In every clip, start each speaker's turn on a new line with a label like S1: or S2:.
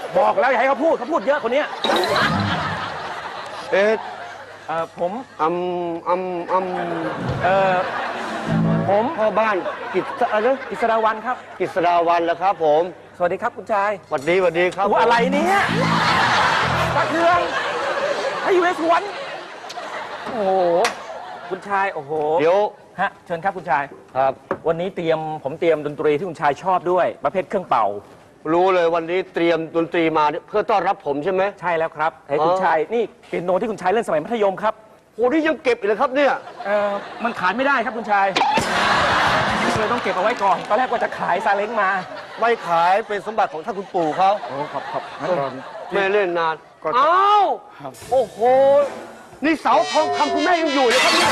S1: บอกแล้วอย่าให้เขาพูดเยอะคนเนี้ยผมผม
S2: พ่อบ้าน
S1: กิษดาวันครับ
S2: กิษดาวันแล้วครับผม
S1: สวัสดีครับคุณชาย
S2: สวัสดีครับ
S1: อะไรเนี่ยตะเทืองให้อยู่ในสวนโอ้โหคุณชายโอ้โห
S2: เดี๋ยว
S1: ฮะเชิญครับคุณชาย
S2: ครับ
S1: วันนี้ผมเตรียมดนตรีที่คุณชายชอบด้วยประเภทเครื่องเป่า
S2: รู้เลยวันนี้เตรียมดนตรีมาเพื่อต้อนรับผมใช่ไหม
S1: ใช่แล้วครับให้คุณชายนี่เปียโนที่คุณชายเล่นสมัยมัธยมครับ
S2: โอ้นี่ยังเก็บอีกเลยครับเนี่ย
S1: มันขายไม่ได้ครับคุณชายเลยต้องเก็บเอาไว้ก่อนตอนแรกว่าจะขายซาเล้งมา
S2: ไม่ขายเป็นสมบัติของท่านคุณปู่เขา
S1: โอ้ขอบ
S2: ไม่เล่นนานอ้าวโอ้โหนี่เสาทองคำคุณแม่ยังอยู่เลยครับเนี่ย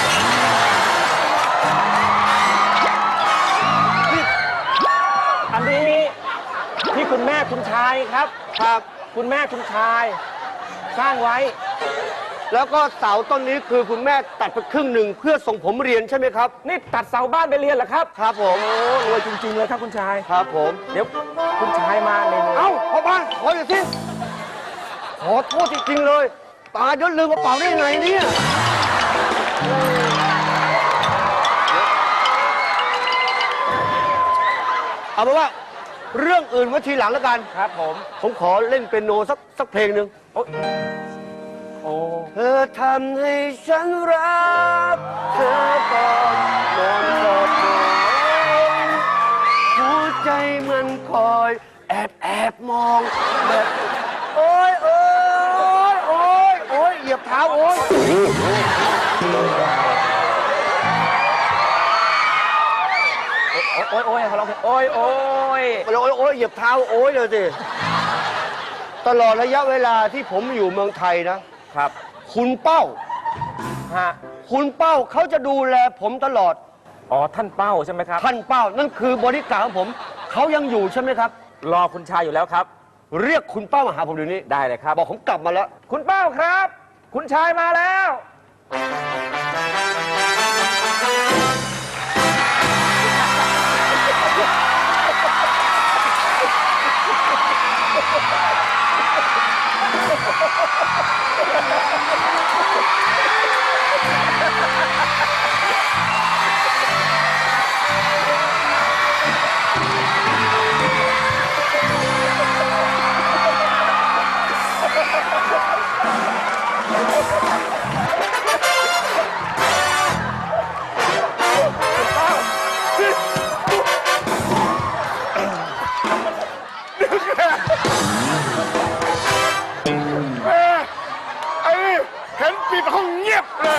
S1: อันนี้ที่คุณแม่คุณชายครับคุณแม่คุณชายสร้างไว้
S2: แล้วก็เสาต้นนี้คือคุณแม่ตัดไปครึ่งหนึ่งเพื่อส่งผมเรียนใช่ไหมครับ
S1: นี่ตัดเสาบ้านไปเรียนเหรอครับ
S2: ครับผม
S1: โอ้รวยจริงๆเลยครับคุณชาย
S2: ครับผม
S1: เดี๋ยวคุณชายมาเลย
S2: เอ้าพ่อบ้านขออย่าสิขอโทษจริงๆเลยตาเดี๋ยวลืมกระเป๋าได้ไงเนี่ยเอาเป็นว่าเรื่องอื่นไว้ทีหลังแล้วกัน
S1: ครับ
S2: ผมขอเล่นเปียโนสักเพลงหนึ่ง
S1: โอ้
S2: เธอทำให้ฉันรักเธอก่อนนอนกอดกันหัวใจมันคอยแอบมองแบบโอ๊ยเหยียบเท้าโอ๊ย
S1: เขาร้องเพลงโอ๊ย
S2: เหยียบเท้าโอ๊ยเลยสิตลอดระยะเวลาที่ผมอยู่เมืองไทยนะครับคุณเป้าคุณเป้าเขาจะดูแลผมตลอด
S1: ท่านเป้าใช่ไหมครับ
S2: ท่านเป้านั่นคือบริการของผมเขายังอยู่ใช่ไหมครับ
S1: รอคุณชายอยู่แล้วครับ
S2: เรียกคุณเป้ามาหาผมเดี๋ยวนี้
S1: ได้เลยครับ
S2: บอกผมกลับมาแล้ว
S1: คุณเป้าครับคุณชายมาแล้ว
S3: เห็นปิดห้องเงียบเลย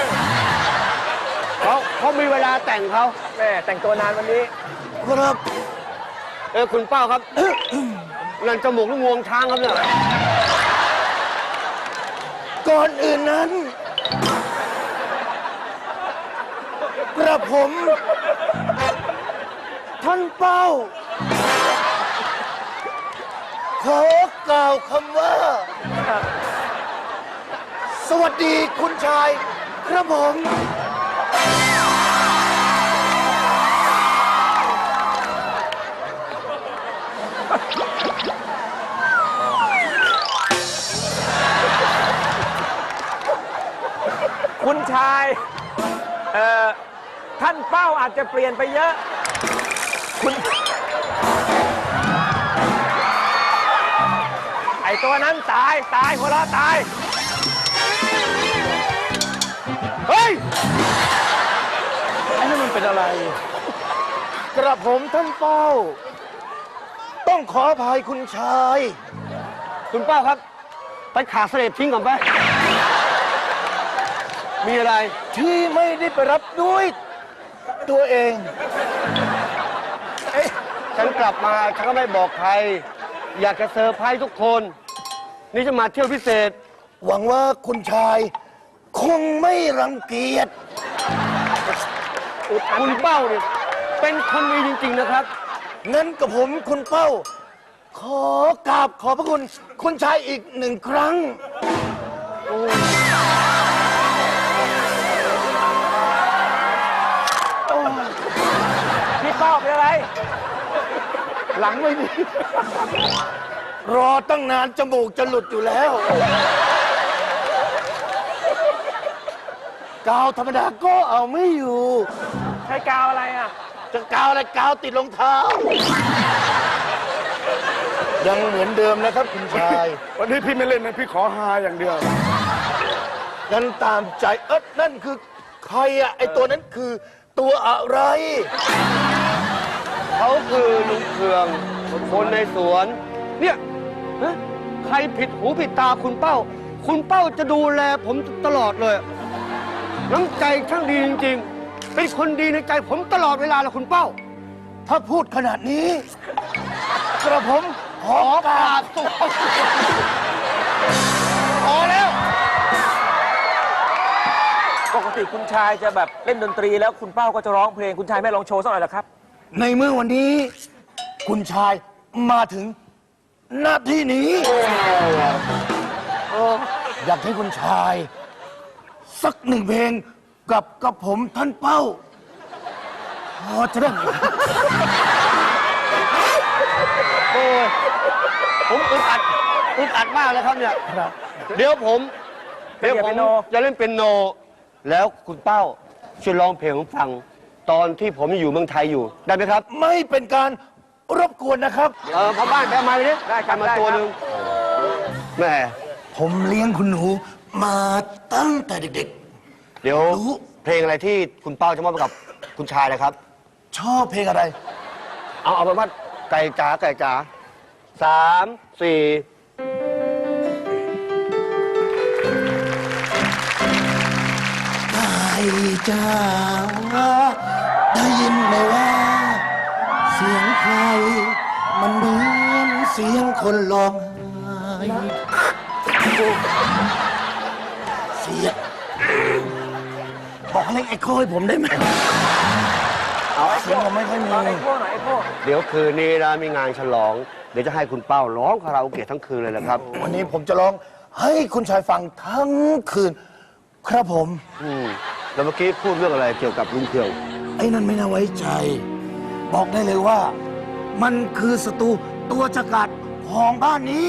S2: เขามีเวลาแต่งเขา
S1: แม่แต่งตัวนานวันนี้
S2: ครับคุณเป้าครับ นั่นจมูกลูกงวงช้างครับเนี่ย
S3: ก่อนอื่นนั้นกระผมท่านเป้าขอกล่าวคำว่าสวัสดีคุณชายครับผม
S1: คุณชายท่านเป้าอาจจะเปลี่ยนไปเยอะไอตัวนั้นตายหัวเราะตาย
S2: เฮ้ย
S1: ไอ้นั่นมันเป็นอะไร
S3: กระผมท่านเป้าต้องขออภัยคุณชาย
S2: คุณเป้าครับไปขาเสลดทิ้งก่อนไปมีอะไร
S3: ที่ไม่ได้ไปรับด้วยตัวเอง
S2: ฉันกลับมาฉันก็ไม่บอกใครอยากจะเซอร์ไพรส์ทุกคนนี่จะมาเที่ยวพิเศษ
S3: หวังว่าคุณชายคงไม่รังเกียจ
S2: คุณเป้าเนี่ยเป็นคนดีจริงๆนะครับ
S3: งั้นกับผมคุณเป้าขอกราบขอบพระคุณคุณชายอีกหนึ่งครั้ง
S1: พี่เป้าเป็นอะไรหลังไม่ดี
S3: รอตั้งนานจมูกจะหลุดอยู่แล้ว กาวธรรมดาก็เอาไม่อยู่
S1: ใช้กาวอะไรอ่ะ
S3: จะกาวอะไรกาวติดรองเท้า ยังเหมือนเดิมนะครับคุณชาย
S2: วันนี้พี่ไม่เล่นนะพี่ขอฮาอย่างเดียว
S3: งั้นตามใจนั่นคือใครอะไอตัวนั้นคือตัวอะไร
S2: เขาคือลุงเคืองคนในสวน เนี่ยฮะใครผิดหูผิดตาคุณเป้า คุณเป้าจะดูแลผมตลอดเลย น้ำใจช่างดีจริงๆ เป็นคนดีในใจผมตลอดเวลาเลยคุณเป้า
S3: ถ้าพูดขนาดนี้ กระผมขอกราบตัวพอแล้ว
S1: ปกติคุณชายจะแบบเล่นดนตรีแล้วคุณเป้าก็จะร้องเพลงคุณชายไม่ลองโชว์สักหน่อยเหรอครับ
S3: ในเมื่อวันนี้ คุณชายมาถึงหน้าที่นี้อยากให้คุณชาย สักหนึ่งเพลงกับผมท่านเป้าพอจะได้ไหม
S2: โอ้ยผมอึดอัดมากเลยครับเนี่ย
S3: ครับ
S2: เดี๋ยวผม
S1: เปียโน
S2: จะเล่นเป็นโน แล้วคุณเป้าช่วยร้องเพลงผมฟัง ตอนที่ผมอยู่เมืองไทยอยู่ ได้ไหมครับ
S3: ไม่เป็นการรบกวนนะครับ
S2: พอบ้านไปเอาไม้ไปดิ
S1: ได้ครับ
S2: มา
S1: ได้
S2: ตัว
S1: ครับ
S2: หนึ่งแหม่
S3: ผมเลี้ยงคุณหนูมาตั้งแต่เด็ก
S2: เดี๋ยว
S3: รู้
S2: เพลงอะไรที่คุณเป้าจะมอบให้กับคุณชายนะครับ
S3: ๆ ชอบเพลงอะไร
S2: เอาไปนว่าไก่จ๋าไก่จ๋า3 4
S3: ไก่จ้าได้ยินไหมว่า เสียงใคร มันเหมือนเสียงคนร้องไห้เสียงบอกให้เล่นไอ้โค้ให้ผมได้ไหมเสียงผมไม่ค่อยมี
S1: ลองไอ้พวกหน่อยไอ้พวก
S2: เดี๋ยวคืนนี้นะมีงานฉลอง เดี๋ยวจะให้คุณเป้าร้องคาราโอเกะทั้งคืนเลยนะครับ
S3: วันนี้ผมจะร้องให้คุณชายฟังทั้งคืน ครับผม
S2: แล้วเมื่อกี้พูดเรื่องอะไรเกี่ยวกับลุงเคือง
S3: ไอ้นั่นไม่น่าไว้ใจ บอกได้เลยว่า มันคือศัตรูตัวฉกาจของบ้านนี้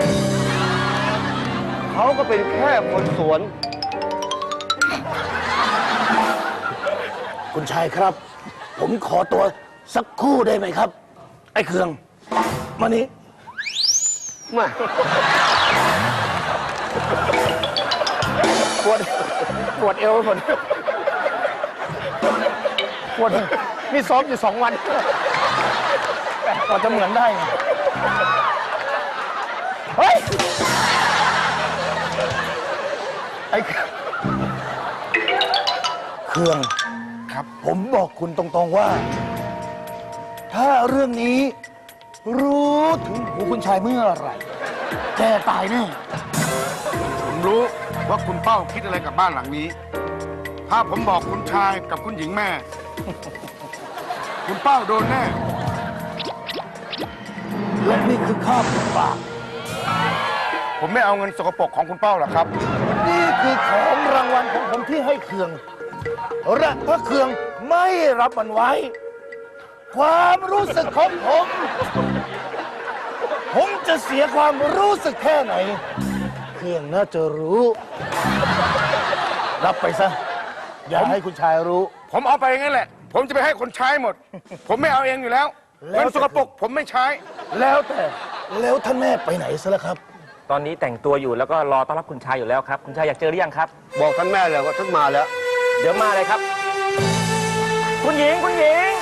S2: เขาก็เป็นแค่คนสวน
S3: คุณชายครับ ผมขอตัวสักครู่ได้ไหมครับ ไอ้เครือง มานี่
S2: มา
S1: ปวดเอวไปหมดปวดนี่ซ้อมอยู่2 วันกว่าจะเหมือนได้ไงเฮ้ย
S3: ไอ้เครืองครับ ผมบอกคุณตรงๆว่า ถ้าเรื่องนี้ รู้ถึงหูคุณชายเมื่อไหร่แกตายแน่
S4: ผมรู้ว่าคุณเป้าคิดอะไรกับบ้านหลังนี้ ถ้าผมบอกคุณชายกับคุณหญิงแม่ คุณเป้าโดนแน่
S3: และนี่คือข้าวปาก
S4: ผมไม่เอาเงินสกปรกของคุณเป้าหรอกครับ
S3: นี่คือของรางวัลของผมที่ให้เครืองและถ้าเครืองไม่รับมันไว้ ความรู้สึกของผมจะเสียความรู้สึกแค่ไหน เครืองน่าจะรู้ รับไปซะ อย่าให้คุณชายรู้
S4: ผมเอาไปงั้นแหละ ผมจะไปให้คนใช้หมด ผมไม่เอาเองอยู่แล้ว
S3: แล้ว
S4: เงินสกปรกผมไม่ใช้
S3: แล้วแต่แล้วท่านแม่ไปไหนซะแล้วครับ
S1: ตอนนี้แต่งตัวอยู่แล้วก็รอต้อนรับคุณชายอยู่แล้วครับ คุณชายอยากเจอหรือยังครับ
S2: บอกท่านแม่เลยว่าท่านมาแล้ว
S1: เดี๋ยวมาเลยครับ คุณหญิงคุณหญิง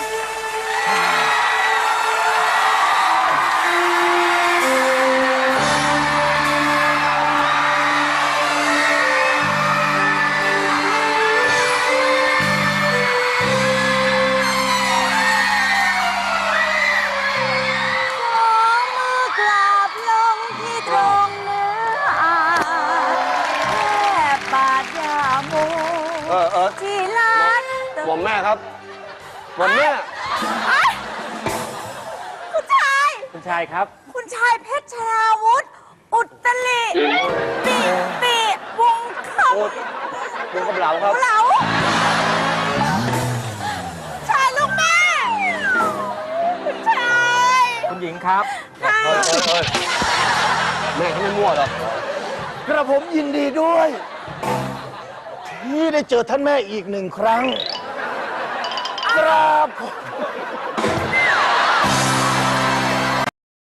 S5: มือกราบลงที่ตรงเนื้ออาแค่บาดยาโม ที่ร้าน
S2: หม่อมแม่ครับหม่อมแม่
S5: เอ้ยคุณชาย
S1: คุณชายครับ
S5: คุณชายเพชรชราวุธ อุตลิปีวงค
S2: โอ๊ตลุงกำเหลาครับ
S5: ำเหลาชายลูกแม่ คุณชาย
S1: คุณหญิงครับ
S5: ค่ะ
S2: แม่เขาไม่มั่วหรอก
S3: กระผมยินดีด้วย ที่ได้เจอท่านแม่อีกหนึ่งครั้งกราบขอบ